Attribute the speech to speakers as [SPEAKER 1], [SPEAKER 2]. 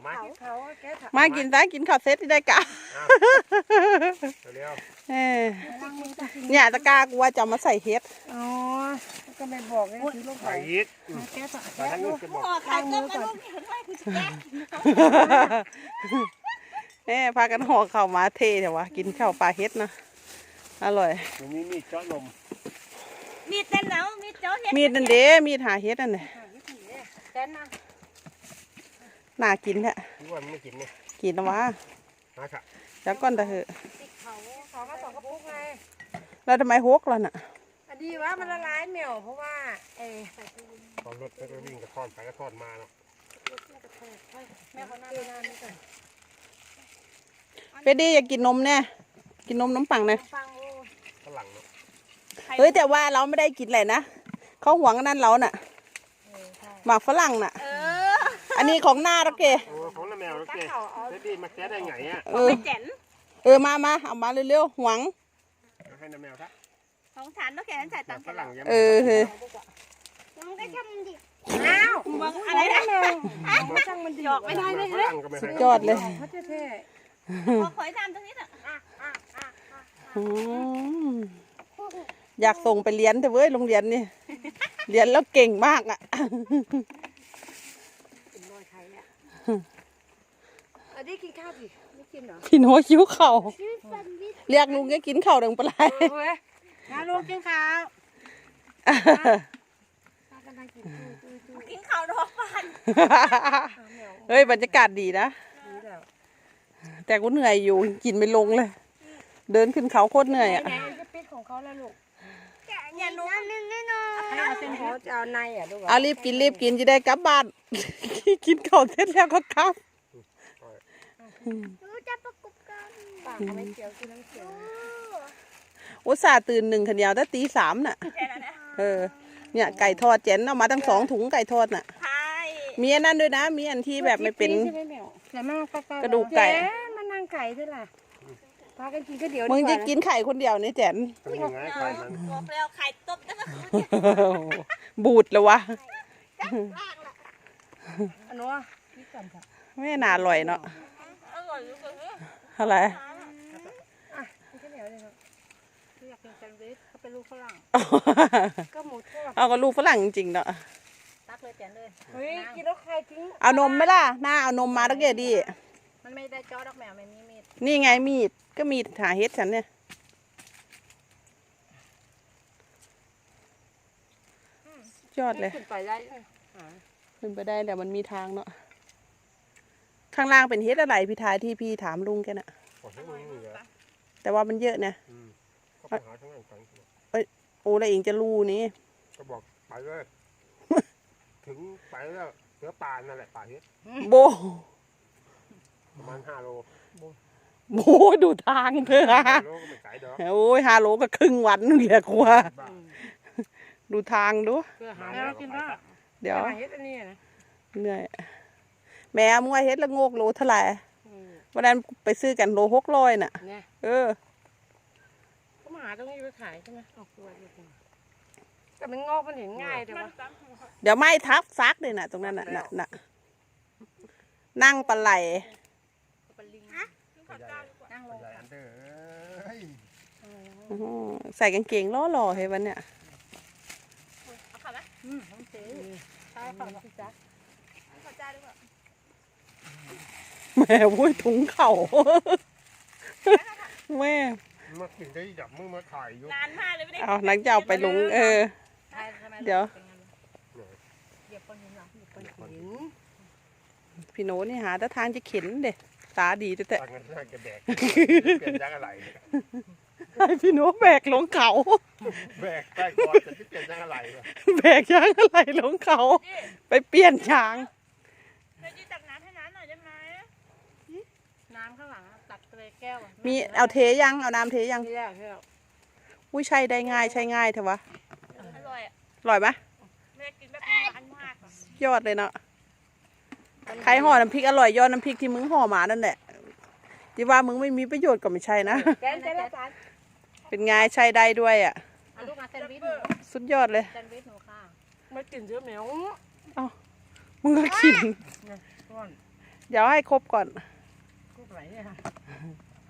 [SPEAKER 1] มากินซะกินข้าวเซตที่ได้กะเนี่ยตะกร้ากูว่าจะมาใส่เฮ็ด
[SPEAKER 2] อ๋อก็ไม่บอกเลยซื้อลูกไข่
[SPEAKER 3] ยิกแกะแต่ทั้งนู้นจะบอก
[SPEAKER 4] ไข่ต้มกับลูกเห็นไหมกูจะแกะ
[SPEAKER 1] พากันห่อข้าวมาเทเถอะวะกินข้าวปลาเฮ็ดนะอร่อย
[SPEAKER 3] มีมีดเจาะนม
[SPEAKER 4] มีดเต้นแล้วมีดเจาะเฮ็ด
[SPEAKER 1] มีดนั่นเด้มีดหาเฮ็ดนั่นเลยน่ากินแท้
[SPEAKER 3] ที่ว่าไม่กินเนี่ย
[SPEAKER 1] กินนะวะ
[SPEAKER 3] ค่ะ
[SPEAKER 1] แล้วก้อนตะเหอะ
[SPEAKER 2] เขามา2 กระปุกไง
[SPEAKER 1] แล้วทำไมฮกล่ะน่ะ
[SPEAKER 2] อันนี้ว่ามันละลายเหนียวเพราะว่า
[SPEAKER 3] ตอนรถก็วิ่งกระท่อนไปกระท่อนมาเนาะ
[SPEAKER 2] แม่เขาหน้านี่ก่อน
[SPEAKER 1] เฟดดี้อยากกินนมเนี่ยกินนมปังเนี่ย
[SPEAKER 3] ฝรั่งเนาะ
[SPEAKER 1] เฮ้ยแต่ว่าเราไม่ได้กินอะไรนะเขาหวงนั่นเราน่ะหมากฝรั่งน่ะอันนี้ของหน้าแล้วเก
[SPEAKER 3] ของน้าแมวแล้วเกเฟดดี้มาแกะได้ไงอ่ะ
[SPEAKER 1] มาเอามาเร็วๆหวง
[SPEAKER 3] ให้น้าแมวครับ
[SPEAKER 4] ของฉันต้องแกะฉันจ่ายตังค์
[SPEAKER 3] ฝรั่งยัง
[SPEAKER 4] มันก็ช่างมันดิอ้าวอะไรนะ
[SPEAKER 2] ช่างมันดิ
[SPEAKER 4] หยอกไม่ได้เลย
[SPEAKER 1] สุดยอดเลย
[SPEAKER 4] ขอให้ทำตรงนี้เถอะ
[SPEAKER 1] อยากส่งไปเรียนเถอะเว้ยโรงเรียนนี่เรียนแล้วเก่งมากอ่ะ
[SPEAKER 2] ได้กินข้าวสิไม่กินเหรอ
[SPEAKER 1] พี่โน้คิ้วเข่าเรียกลุงก็กินเข่าดังปลาย
[SPEAKER 2] นะลุงกินข้าว
[SPEAKER 4] กินข้าวดอกฟัน
[SPEAKER 1] เฮ้ยบรรยากาศดีนะแต่กูเหนื่อยอยู่กินไม่ลงเลยเดินขึ้นเขาโคตรเหนื่อยอ่ะ
[SPEAKER 2] จะปิดของเขาแล้วลูก
[SPEAKER 4] อย่านุ่มแน่นอน
[SPEAKER 2] ให้เอาเส้นเขาจะเอาในอ่ะดู
[SPEAKER 1] เอารีบกินจะได้กลับบ้านกินข้าวเสร็จแล้วก็กลับ
[SPEAKER 4] จะประกบกัน
[SPEAKER 2] ปากไม่เขียวกินน้ำเขียว
[SPEAKER 1] อุตส่าห์ตื่น1 ขันยาวตั้งตี 3น่ะเนี่ยไก่ทอดเจนเอามาตั้ง2 ถุงไก่ทอดน่ะมีอันนั้นด้วยนะมีอันที่แบบไม่เป็นกระดูกไก่
[SPEAKER 2] มันนางไก่ใช่ไหมพากันกินก็เดี๋ยว
[SPEAKER 1] มึงจะกินไข่คนเดียวนี่แจน
[SPEAKER 4] บอกแล้วไข่ต้มตั้ง
[SPEAKER 1] บูดเลยวะ
[SPEAKER 2] อันนู้น
[SPEAKER 1] ไม่น่าอร่อยเนาะอะไร
[SPEAKER 2] อยากกินแซนด์วิชเขาเป็นลูกฝรั่งก็หมูทอด
[SPEAKER 1] เอาก็ลูกฝรั่งจริงเนาะ
[SPEAKER 4] ตักเลยแจนเลย
[SPEAKER 2] เฮ้ยกินแล้วใครทิ้ง
[SPEAKER 1] เอานมไหมล่ะหน้าเอานมมาแล้วเกดี
[SPEAKER 4] มันไม่ได้จ้อดอกแมวไม่มีมีด
[SPEAKER 1] นี่ไงมีดก็มีดหาเฮ็ดฉันเนี่ยยอดเลย
[SPEAKER 2] ขึ้นไปได้
[SPEAKER 1] ขึ้นไปได้แต่มันมีทางเนาะข้างล่างเป็นเฮ็ดอะไรพี่ทายที่พี่ถามลุงแกน่ะแต่ว่ามันเยอะนะโอ้แล้วเองจะรู้นี่
[SPEAKER 3] ก็บอกไปเลยถึงไปแล้วเสือป่านั่นแหละป่าเฮ็ด
[SPEAKER 1] โบ
[SPEAKER 3] ประมาณ5 โล
[SPEAKER 1] โอ้ดูทางเธอโอ้ย5 โลก็ครึ่งวันนึงแหละกว่าดูทางดูเดี๋ยวเหนื่อยแม่มึงว่าเฮ็ดละโงกโลเท่าไหร่วันนั้นไปซื้อกันโล600น่ะ
[SPEAKER 2] ก็มาหาตรงนี้ไปขายใช่ไหมออกตัวแต่มันงอกมันเห็นง่ายแต่ว่า
[SPEAKER 1] เดี๋ยวไม่ทับซักเลยน่ะตรงนั้นน่ะนั่งปลาไหลใส่กางเกงล่อๆเฮ้ยวันเนี้ย
[SPEAKER 4] เอาขับไหม
[SPEAKER 2] ต้องซื้อใช่ขับสิจ๊ะ
[SPEAKER 4] ขอจ้าด้วย
[SPEAKER 1] แม่วุ้ยถุงเข่าแม่
[SPEAKER 3] มาถึงได้จับมือมาถ่ายอยู่
[SPEAKER 4] นานมากเลยไม่ได้
[SPEAKER 1] เอาหลังจากไปลงเดี๋ยวพี่โน้นี่หาแต่ทางจะเข็นเด็ดตาดีแต่
[SPEAKER 3] เปลี่ยนยางอะไร
[SPEAKER 1] ให้พี่โน้แบกลงเขา
[SPEAKER 3] แบกใต้ก่อนจะเปลี่ยนยางอะไร
[SPEAKER 1] แบกยางอะไรลงเขาไปเปลี่ยนยาง
[SPEAKER 4] ตักน้ำให้น้ำหน่อยได้ไหม
[SPEAKER 2] น้ำข้างหลังตักเลยแก้ว
[SPEAKER 1] มีเอาเทยังเอาน้ำเทยังอุ้ยใช่ได้ง่ายใช่ง่ายเถอะวะ
[SPEAKER 4] อร่อย
[SPEAKER 1] อร่อยไหม
[SPEAKER 4] แม่กินแบบอันมาก
[SPEAKER 1] ยอดเลยเนาะใครห่อน้ำพริกอร่อยยอดน้ำพริกที่มึงห่อมานั่นแหละที่ว่ามึงไม่มีประโยชน์ก็ไม่ใช่นะเป็นไงใช่ได้ด้วยอ่ะสุดยอดเลย
[SPEAKER 2] ไม่กินเยอะแมว
[SPEAKER 1] มึงก็กินเดี๋ยวให้ครบก่อน
[SPEAKER 2] ก็ไหลเนี่ยค่ะ